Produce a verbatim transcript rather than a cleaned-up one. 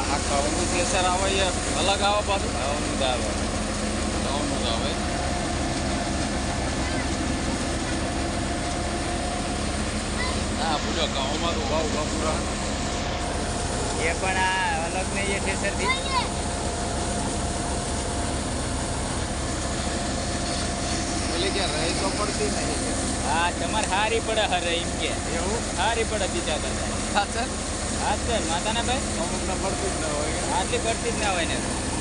આ ઘઉંનું કેસર આવે એ અલગ આવે પાછું ઘઉંનું જ આવે ઘઉંનું જ આવે હા પૂછો ઘઉંમાં તો ઉભા ઉભા પૂરા એ પણ આ અલગ નહીં એ ઠેસરથી એટલે કે રહી તો પડતી નહીં હા તમારે હારી પડે હરે એમ કે એવું હારી પડે બીજા કરતા હા સર હા સર માતાના ભાઈ અમુકને પડતું જ ન હોય આટલી પડતી જ ના હોય ને